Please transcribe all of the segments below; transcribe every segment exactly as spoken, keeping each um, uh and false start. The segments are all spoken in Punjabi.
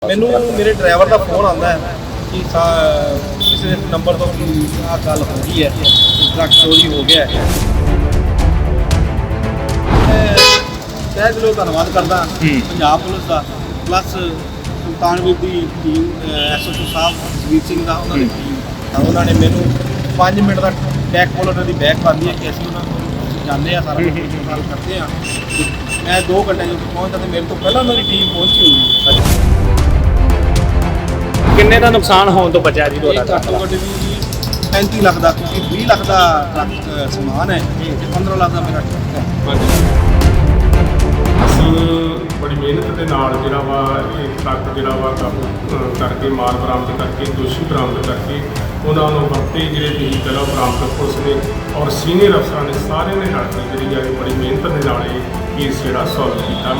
ਮੈਨੂੰ ਮੇਰੇ ਡਰਾਈਵਰ ਦਾ ਫੋਨ ਆਉਂਦਾ ਹੈ ਕਿ ਕਿਸੇ ਨੰਬਰ ਤੋਂ ਆਹ ਗੱਲ ਹੋ ਗਈ ਹੈ, ਟਰੱਕ ਚੋਰੀ ਹੋ ਗਿਆ ਹੈ। ਮੈਂ ਤਹਿ ਦਿਲੋਂ ਧੰਨਵਾਦ ਕਰਦਾ ਪੰਜਾਬ ਪੁਲਿਸ ਦਾ, ਪਲੱਸ ਸੁਲਤਾਨਵੀਰ ਦੀ team, S H O sahib Jasvir Singh ਦਾ, ਉਹਨਾਂ ਦੀ ਟੀਮ ਦਾ। ਉਹਨਾਂ ਨੇ ਮੈਨੂੰ ਪੰਜ ਮਿੰਟ ਦਾ ਬੈਕ ਕੋਲ ਉਹਨਾਂ ਦੀ ਬੈਕ ਪਾਉਂਦੀ ਹੈ ਕਿ ਅਸੀਂ ਉਹਨਾਂ ਨੂੰ ਜਾਂਦੇ ਹਾਂ, ਸਾਰਾ ਗੱਲ ਕਰਦੇ ਹਾਂ। ਮੈਂ ਦੋ ਘੰਟੇ ਜਦੋਂ ਪਹੁੰਚਦਾ ਤੇ ਮੇਰੇ ਤੋਂ ਪਹਿਲਾਂ ਉਹਨਾਂ ਦੀ ਟੀਮ ਪਹੁੰਚੀ ਹੁੰਦੀ ਹੈ। ਕਿੰਨੇ ਦਾ ਨੁਕਸਾਨ ਹੋਣ ਤੋਂ ਬਚਿਆ ਜੀ ਤੁਹਾਡਾ? ਘੱਟੋ ਘੱਟ ਵੀ ਪੈਂਤੀ ਲੱਖ ਦਾ, ਕਿਉਂਕਿ ਵੀਹ ਲੱਖ ਦਾ ਟਰੱਕ ਸਮਾਨ ਹੈ ਤੇ ਪੰਦਰਾਂ ਲੱਖ ਦਾ ਮੇਰਾ ਟਰੱਕ ਹੈ। ਅਸੀਂ ਬੜੀ ਮਿਹਨਤ ਦੇ ਨਾਲ ਜਿਹੜਾ ਵਾ ਇਹ ਟਰੱਕ ਜਿਹੜਾ ਵਾ ਕਾਬੂ ਕਰਕੇ ਮਾਲ ਬਰਾਮਦ ਕਰਕੇ ਦੋਸ਼ੀ ਬਰਾਮਦ ਕਰਕੇ ਉਹਨਾਂ ਨੂੰ ਵਰਤੇ ਜਿਹੜੇ ਵਹੀਕਲ ਆ ਬਰਾਮਦ ਪੁਲਿਸ ਨੇ ਔਰ ਸੀਨੀਅਰ ਅਫਸਰਾਂ ਨੇ ਸਾਰਿਆਂ ਨੇ ਰਲ ਕੇ ਜਿਹੜੀ ਆ ਬੜੀ ਮਿਹਨਤ ਦੇ ਨਾਲ ਇਹ ਕੇਸ ਜਿਹੜਾ ਸੋਲਵ ਕੀਤਾ।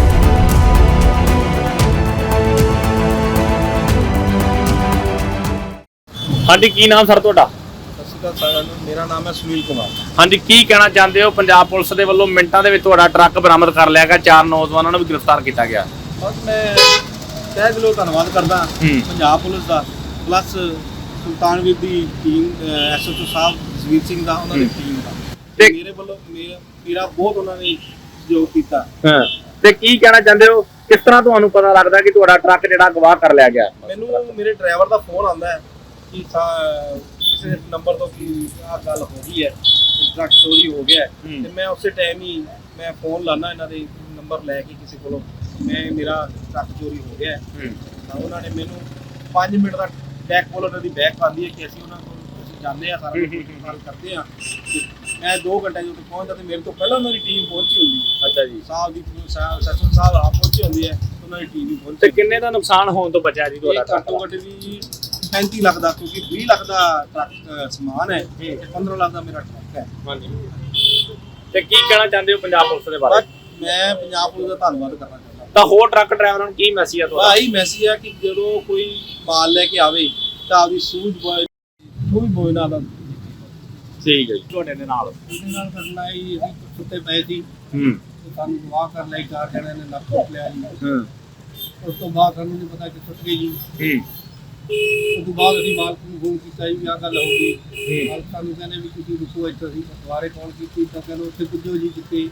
ਹਾਂਜੀ, ਕੀ ਨਾਮ ਸਰ ਤੁਹਾਡਾ? ਸਤਿ ਸ਼੍ਰੀ ਅਕਾਲ ਸਾਰਿਆਂ ਨੂੰ, ਮੇਰਾ ਨਾਮ ਹੈ ਸੁਨੀਲ ਕੁਮਾਰ। ਹਾਂਜੀ, ਕੀ ਕਹਿਣਾ ਚਾਹੁੰਦੇ ਹੋ? ਪੰਜਾਬ ਪੁਲਿਸ ਦੇ ਵੱਲੋਂ ਮਿੰਟਾਂ ਦੇ ਵਿੱਚ ਤੁਹਾਡਾ ਟਰੱਕ ਬਰਾਮਦ ਕਰ ਲਿਆ ਗਿਆ, ਚਾਰ ਨੌਜਵਾਨਾਂ ਨੂੰ ਵੀ ਗ੍ਰਿਫਤਾਰ ਕੀਤਾ ਗਿਆ। ਬਸ ਮੈਂ ਤਹਿ ਦਿਲੋਂ ਧੰਨਵਾਦ ਕਰਦਾ ਪੰਜਾਬ ਪੁਲਿਸ ਦਾ, ਪਲੱਸ ਸੁਲਤਾਨਵੀਰ ਦੀ team, S H O sahib Jasvir Singh ਦਾ, ਉਹਨਾਂ ਦੀ ਟੀਮ ਦਾ। ਤੇ ਮੇਰੇ ਵੱਲੋਂ ਮੇਰਾ ਮੇਰਾ ਬਹੁਤ ਉਹਨਾਂ ਨੇ ਸਹਿਯੋਗ ਕੀਤਾ। ਹਾਂ, ਤੇ ਕੀ ਕਹਿਣਾ ਚਾਹੁੰਦੇ ਹੋ? ਕਿਸ ਤਰ੍ਹਾਂ ਤੁਹਾਨੂੰ ਪਤਾ ਲੱਗਦਾ ਕਿ ਤੁਹਾਡਾ ਟਰੱਕ ਜਿਹੜਾ ਗਵਾਹ ਕਰ ਲਿਆ ਗਿਆ? ਮੈਨੂੰ ਮੇਰੇ ਡਰਾਈਵਰ ਦਾ ਫੋਨ ਆਉਂਦਾ ਹੈ ਕਿ ਕਿਸੇ ਨੰਬਰ ਤੋਂ ਆਹ ਗੱਲ ਹੋ ਗਈ ਹੈ, ਟਰੱਕ ਚੋਰੀ ਹੋ ਗਿਆ ਹੈ। ਤੇ ਮੈਂ ਉਸੇ ਟਾਈਮ ਹੀ ਮੈਂ ਫੋਨ ਲਾਣਾ ਇਹਨਾਂ ਦੇ ਨੰਬਰ ਲੈ ਕੇ ਕਿਸੇ ਕੋਲੋਂ, ਮੈਂ ਮੇਰਾ ਟਰੱਕ ਚੋਰੀ ਹੋ ਗਿਆ ਹੈ। ਤਾਂ ਉਹਨਾਂ ਨੇ ਮੈਨੂੰ ਪੰਜ ਮਿੰਟ ਦਾ ਬੈਕ ਕੋਲ ਉਹਨਾਂ ਦੀ ਬੈਕ ਪਾਉਂਦੀ ਹੈ ਕਿ ਅਸੀਂ ਉਹਨਾਂ ਕੋਲ ਅਸੀਂ ਜਾਂਦੇ ਹਾਂ, ਸਾਰਾ ਗੱਲ ਕਰਦੇ ਹਾਂ। ਮੈਂ ਦੋ ਘੰਟੇ ਜਦੋਂ ਪਹੁੰਚਦਾ ਤੇ ਮੇਰੇ ਤੋਂ ਪਹਿਲਾਂ ਉਹਨਾਂ ਦੀ ਟੀਮ ਪਹੁੰਚੀ ਹੁੰਦੀ ਹੈ। ਅੱਛਾ ਜੀ। ਸਾਹਿਬ ਦੀ ਸੈਸ਼ਨ ਸਾਹਿਬ ਆਪ ਪਹੁੰਚੀ ਹੁੰਦੀ ਹੈ, ਉਹਨਾਂ ਦੀ ਟੀਮ ਵੀ ਪਹੁੰਚੀ। ਤੇ ਕਿੰਨੇ ਦਾ ਨੁਕਸਾਨ ਹੋਣ ਤੋਂ ਬਚਿਆ ਜੀ ਤੁਹਾਡਾ? ਘੱਟੋ ਘੱਟ ਵੀ ਪੈਂਤੀ ਲੱਖ ਦਾ, ਕਿਉਂਕਿ ਵੀਹ ਲੱਖ ਦਾ ਟਰੱਕ ਸਮਾਨ ਹੈ ਤੇ ਪੰਦਰਾਂ ਲੱਖ ਦਾ ਮੇਰਾ ਟਰੱਕ ਹੈ। ਹਾਂਜੀ, ਤੇ ਕੀ ਕਹਿਣਾ ਚਾਹੁੰਦੇ ਹੋ ਪੰਜਾਬ ਪੁਲਿਸ ਦੇ ਬਾਰੇ? ਮੈਂ ਪੰਜਾਬ ਪੁਲਿਸ ਦਾ ਧੰਨਵਾਦ ਕਰਨਾ ਚਾਹੁੰਦਾ। ਤਾਂ ਹੋਰ ਟਰੱਕ ਡਰਾਈਵਰਾਂ ਨੂੰ ਕੀ ਮੈਸੇਜ ਆ ਤੁਹਾਡਾ? ਆਹੀ ਮੈਸੇਜ ਹੈ ਕਿ ਜਦੋਂ ਕੋਈ ਮਾਲ ਲੈ ਕੇ ਆਵੇ ਤਾਂ ਆਪਦੀ ਸੂਝ ਬੋਏ ਉਹ ਵੀ ਬੋਏ ਨਾਲ ਦਾ। ਠੀਕ ਹੈ ਜੀ। ਤੁਹਾਡੇ ਦੇ ਨਾਲ ਉਹਦੇ ਨਾਲ ਕਰਨਾ ਹੀ, ਅਸੀਂ ਸੁੱਤੇ ਪਏ ਸੀ, ਹੂੰ, ਸਾਨੂੰ ਵਾਹ ਕਰ ਲਈ, ਚਾਰ ਜਣਿਆਂ ਨੇ ਲੱਕ ਟੁੱਟ ਲਿਆ ਜੀ। ਹੂੰ, ਉਸ ਤੋਂ ਬਾਅਦ ਸਾਨੂੰ ਨਹੀਂ ਪਤਾ ਕਿ ਟੁੱਟ ਗਈ ਜੀ। ਹੂੰ, ਉਸ ਤੋਂ ਬਾਅਦ ਅਸੀਂ ਮਾਲਕ ਨੂੰ ਫੋਨ ਕੀਤਾ ਜੀ, ਆਹ ਗੱਲ ਹੋ ਗਈ। ਮਾਲਕ ਸਾਨੂੰ ਕਹਿੰਦੇ ਵੀ ਤੁਸੀਂ ਰੁਕੋ ਇੱਥੇ। ਅਸੀਂ ਦੁਬਾਰੇ ਕਾਲ ਕੀਤੀ ਤਾਂ ਕਹਿੰਦੇ ਉੱਥੇ ਪੁੱਜੋ ਜੀ ਜਿੱਥੇ।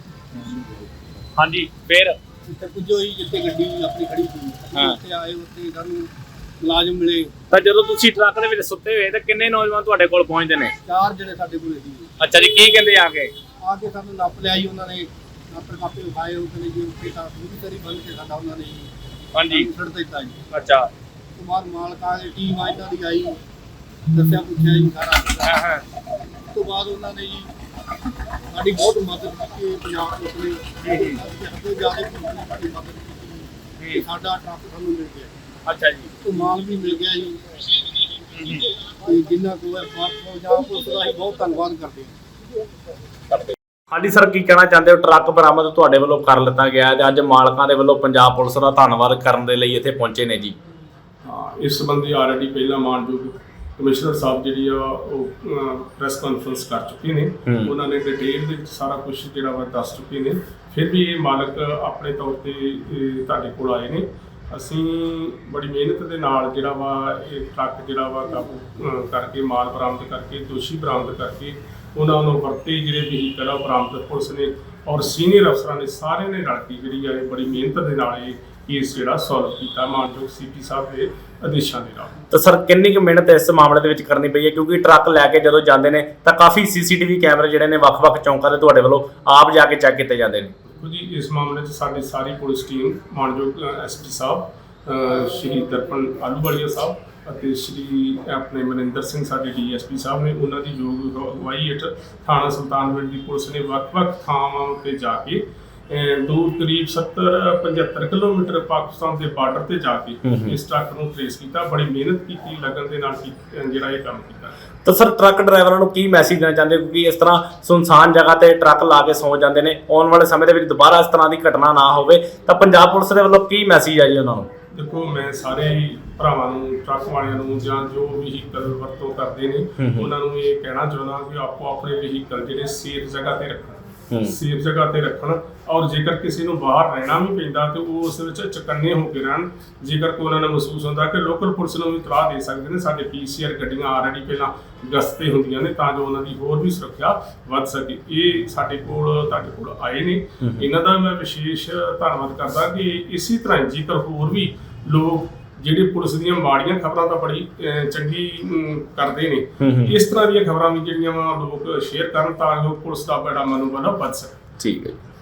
ਹਾਂਜੀ, ਫਿਰ ਉੱਥੇ ਪੁੱਜੋ ਜੀ ਜਿੱਥੇ ਗੱਡੀ ਆਪਣੀ ਖੜੀ ਸੀ। ਉੱਥੇ ਆਏ, ਉੱਥੇ ਸਾਨੂੰ ਮੁਲਾਜ਼ਮ ਮਿਲੇ। ਤਾਂ ਜਦੋਂ ਤੁਸੀਂ ਟਰੱਕ ਦੇ ਵਿੱਚ ਸੁੱਤੇ ਹੋਏ ਤਾਂ ਕਿੰਨੇ ਨੌਜਵਾਨ ਤੁਹਾਡੇ ਕੋਲ ਪਹੁੰਚਦੇ ਨੇ? ਚਾਰ ਜਿਹੜੇ ਸਾਡੇ ਕੋਲ ਸੀ। ਅੱਛਾ ਜੀ, ਕੀ ਕਹਿੰਦੇ ਆ ਕੇ? ਆ ਕੇ ਸਾਨੂੰ ਨੱਪ ਲਿਆ ਜੀ ਉਹਨਾਂ ਨੇ, ਨੱਪ ਕਾਪੇ ਵਿਖਾਏ। ਉਹ ਕਹਿੰਦੇ ਜੀ ਉੱਥੇ ਤਾਂ ਪੂਰੀ ਤਰੀ ਬੰਨ ਕੇ ਸਾਡਾ ਉਹਨਾਂ ਨੇ ਹਾਂਜੀ ਛੱਡ ਦਿੱਤਾ ਜੀ। ਅੱਛਾ। ਉਸ ਤੋਂ ਬਾਅਦ ਮਾਲਕ ਆ ਕੇ ਟੀਮ ਆ ਇਹਨਾਂ ਦੀ ਆਈ, ਦੱਸਿਆ ਪੁੱਛਿਆ ਜੀ ਸਾਰਾ। ਹਾਂ ਹਾਂ। ਉਸ ਤੋਂ ਬਾਅਦ ਉਹਨਾਂ ਨੇ ਜੀ ਸਾਡੀ ਬਹੁਤ ਮਦਦ ਕੀਤੀ ਪੰਜਾਬ ਪੁਲਿਸ ਨੇ। ਅੱਗੇ ਜਾ ਕੇ ਸਾਡੀ ਮਦਦ ਕੀਤੀ ਕਿ ਸਾਡਾ ਟਰੱਕ ਸਾਨੂੰ ਮਿਲ ਗਿਆ। ਅੱਛਾ ਜੀ। ਉਹ ਮਾਲ ਵੀ ਮਿਲ ਗਿਆ ਜੀ। ਤੇ ਜਿੰਨਾ ਕੋਈ ਪੰਜਾਬ ਪੁਲਿਸ ਦਾ ਅਸੀਂ ਬਹੁਤ ਧੰਨਵਾਦ ਕਰਦੇ ਹਾਂ। ਹਾਂਜੀ ਸਰ, ਕੀ ਕਹਿਣਾ ਚਾਹੁੰਦੇ ਹੋ? ਟਰੱਕ ਬਰਾਮਦ ਤੁਹਾਡੇ ਵੱਲੋਂ ਕਰ ਲਿੱਤਾ ਗਿਆ ਤੇ ਅੱਜ ਮਾਲਕਾਂ ਦੇ ਵੱਲੋਂ ਪੰਜਾਬ ਪੁਲਿਸ ਦਾ ਧੰਨਵਾਦ ਕਰਨ ਦੇ ਲਈ ਇੱਥੇ ਪਹੁੰਚੇ ਨੇ ਜੀ। ਹਾਂ, ਇਸ ਸੰਬੰਧੀ ਆਲਰੇਡੀ ਪਹਿਲਾਂ ਮਾਨਯੋਗ ਕਮਿਸ਼ਨਰ ਸਾਹਿਬ ਜਿਹੜੀ ਆ ਉਹ ਪ੍ਰੈਸ ਕਾਨਫਰੰਸ ਕਰ ਚੁੱਕੇ ਨੇ। ਉਹਨਾਂ ਨੇ ਡਿਟੇਲ ਦੇ ਵਿੱਚ ਸਾਰਾ ਕੁਝ ਜਿਹੜਾ ਵਾ ਦੱਸ ਚੁੱਕੇ ਨੇ। ਫਿਰ ਵੀ ਇਹ ਮਾਲਕ ਆਪਣੇ ਤੌਰ ਤੇ ਤੁਹਾਡੇ ਕੋਲ ਆਏ ਨੇ। ਅਸੀਂ ਬੜੀ ਮਿਹਨਤ ਦੇ ਨਾਲ ਜਿਹੜਾ ਵਾ ਇਹ ਟਰੱਕ ਜਿਹੜਾ ਵਾ ਕਾਬੂ ਕਰਕੇ ਮਾਲ ਬਰਾਮਦ ਕਰਕੇ ਦੋਸ਼ੀ ਬਰਾਮਦ ਕਰਕੇ ਉਹਨਾਂ ਨੂੰ ਵਰਤੇ ਜਿਹੜੇ ਵਹੀਕਲ ਆ ਬਰਾਮਦ ਪੁਲਿਸ ਨੇ ਔਰ ਸੀਨੀਅਰ ਅਫਸਰਾਂ ਨੇ ਸਾਰਿਆਂ ਨੇ ਰਲ ਕੇ ਜਿਹੜੀ ਆ ਬੜੀ ਮਿਹਨਤ ਦੇ ਨਾਲ ਇਹ ਕੇਸ ਜਿਹੜਾ ਸੋਲਵ ਕੀਤਾ ਮਾਨਯੋਗ ਸੀ ਪੀ ਸਾਹਿਬ ਦੇ ਆਦੇਸ਼ਾਂ ਦੇ ਨਾਲ। ਤਾਂ ਸਰ, ਕਿੰਨੀ ਕੁ ਮਿਹਨਤ ਇਸ ਮਾਮਲੇ ਦੇ ਵਿੱਚ ਕਰਨੀ ਪਈ ਹੈ? ਕਿਉਂਕਿ ਟਰੱਕ ਲੈ ਕੇ ਜਦੋਂ ਜਾਂਦੇ ਨੇ ਤਾਂ ਕਾਫੀ ਸੀਸੀਟੀਵੀ ਕੈਮਰੇ ਜਿਹੜੇ ਨੇ ਵੱਖ-ਵੱਖ ਚੌਂਕਾਂ ਦੇ ਤੁਹਾਡੇ ਵੱਲੋਂ ਆਪ ਜਾ ਕੇ ਚੈੱਕ ਕੀਤੇ ਜਾਂਦੇ ਨੇ। ਦੇਖੋ ਜੀ, ਇਸ ਮਾਮਲੇ 'ਚ ਸਾਡੀ ਸਾਰੀ ਪੁਲਿਸ ਟੀਮ ਮਾਨਯੋਗ ਐਸ ਪੀ ਸਾਹਿਬ ਸ਼੍ਰੀ ਦਰਪਣ ਆਲੂਵਾਲੀਆ ਸਾਹਿਬ ਅਤੇ ਸ਼੍ਰੀ ਆਪਣੇ ਮਨਿੰਦਰ ਸਿੰਘ ਸਾਡੇ ਡੀ ਐਸ ਪੀ ਸਾਹਿਬ ਨੇ, ਉਹਨਾਂ ਦੀ ਯੋਗ ਅਗਵਾਈ ਹੇਠ ਥਾਣਾ ਸੁਲਤਾਨਵਿੰਡ ਦੀ ਪੁਲਿਸ ਨੇ ਵੱਖ-ਵੱਖ ਥਾਵਾਂ ਉੱਤੇ ਜਾ ਕੇ ਦੂਰ ਕਰੀਬ ਸੱਤਰ ਪਝੱਤਰ ਕਿਲੋਮੀਟਰ ਪਾਕਿਸਤਾਨ ਦੇ ਬਾਰਡਰ ਤੇ ਜਾ ਕੇ ਇਸ ਟਰੱਕ ਨੂੰ ਟ੍ਰੇਸ ਕੀਤਾ। ਬੜੀ ਮਿਹਨਤ ਕੀਤੀ, ਲਗਨ ਦੇ ਨਾਲ ਜਿਹੜਾ ਇਹ ਕੰਮ ਕੀਤਾ। ਤਾਂ ਸਰ, ਟਰੱਕ ਡਰਾਈਵਰਾਂ ਨੂੰ ਕੀ ਮੈਸੇਜ ਦੇਣਾ ਚਾਹੁੰਦੇ? ਕਿਉਂਕਿ ਇਸ ਤਰ੍ਹਾਂ ਸੁਨਸਾਨ ਜਗ੍ਹਾ ਤੇ ਟਰੱਕ ਲਾ ਕੇ ਸੌ ਜਾਂਦੇ ਨੇ, ਆਉਣ ਵਾਲੇ ਸਮੇਂ ਦੇ ਵਿੱਚ ਦੁਬਾਰਾ ਇਸ ਤਰ੍ਹਾਂ ਦੀ ਘਟਨਾ ਨਾ ਹੋਵੇ, ਤਾਂ ਪੰਜਾਬ ਪੁਲਿਸ ਦੇ ਵੱਲੋਂ ਕੀ ਮੈਸੇਜ ਹੈ ਜੀ ਉਹਨਾਂ ਨੂੰ? ਦੇਖੋ, ਮੈਂ ਸਾਰੇ ਭਰਾਵਾਂ ਨੂੰ, ਟਰੱਕ ਵਾਲਿਆਂ ਨੂੰ ਜਾਂ ਜੋ ਵਹੀਕਲ ਵਰਤੋਂ ਕਰਦੇ ਨੇ ਉਹਨਾਂ ਨੂੰ ਇਹ ਕਹਿਣਾ ਚਾਹੁੰਦਾ ਕਿ ਆਪੋ ਆਪਣੇ ਵਹੀਕਲ ਜਿਹੜੇ ਸੇਫ ਜਗ੍ਹਾ ਤੇ ਰੱਖਣ। ਸੇਫ ਜਗ੍ਹਾ ਤੇ ਰੱਖਣ, ਔਰ ਜੇਕਰ ਕਿਸੇ ਨੂੰ ਬਾਹਰ ਰਹਿਣਾ ਵੀ ਪੈਂਦਾ ਤੇ ਉਹ ਉਸ ਵਿੱਚ ਚੁਕੰਨੇ ਹੋ ਕੇ ਰਹਿਣ। ਜੇਕਰ ਕੋਈ ਉਹਨਾਂ ਨੂੰ ਮਹਿਸੂਸ ਹੁੰਦਾ ਕਿ ਲੋਕਲ ਪੁਲਿਸ ਨੂੰ ਵੀ ਇਤਲਾਹ ਦੇ ਸਕਦੇ ਨੇ, ਸਾਡੇ ਪੀ ਸੀ ਆਰ ਗੱਡੀਆਂ ਆਲਰੇਡੀ ਪਹਿਲਾਂ ਗਸ਼ਤ ਤੇ ਹੁੰਦੀਆਂ ਨੇ ਤਾਂ ਜੋ ਉਹਨਾਂ ਦੀ ਹੋਰ ਵੀ ਸੁਰੱਖਿਆ ਵੱਧ ਸਕੇ। ਇਹ ਸਾਡੇ ਕੋਲ ਤੁਹਾਡੇ ਕੋਲ ਆਏ ਨੇ, ਇਹਨਾਂ ਦਾ ਮੈਂ ਵਿਸ਼ੇਸ਼ ਧੰਨਵਾਦ ਕਰਦਾ ਕਿ ਇਸੇ ਤਰ੍ਹਾਂ ਜੇਕਰ ਹੋਰ ਵੀ ਲੋਕ ਜਿਹੜੇ ਪੁਲਿਸ ਦੀਆਂ ਮਾੜੀਆਂ ਖਬਰਾਂ ਤਾਂ ਬੜੀ ਅਹ, ਚੰਗੀ ਅਮ, ਕਰਦੇ ਨੇ, ਇਸ ਤਰ੍ਹਾਂ ਦੀਆਂ ਖਬਰਾਂ ਵੀ ਜਿਹੜੀਆਂ ਵਾ ਲੋਕ ਸ਼ੇਅਰ ਕਰਨ ਤਾਂ ਜੋ ਪੁਲਿਸ ਦਾ ਬੜਾ ਮਨੋਬਲ ਵੱਧ ਸਕੇ। ਠੀਕ ਹੈ ਜੀ।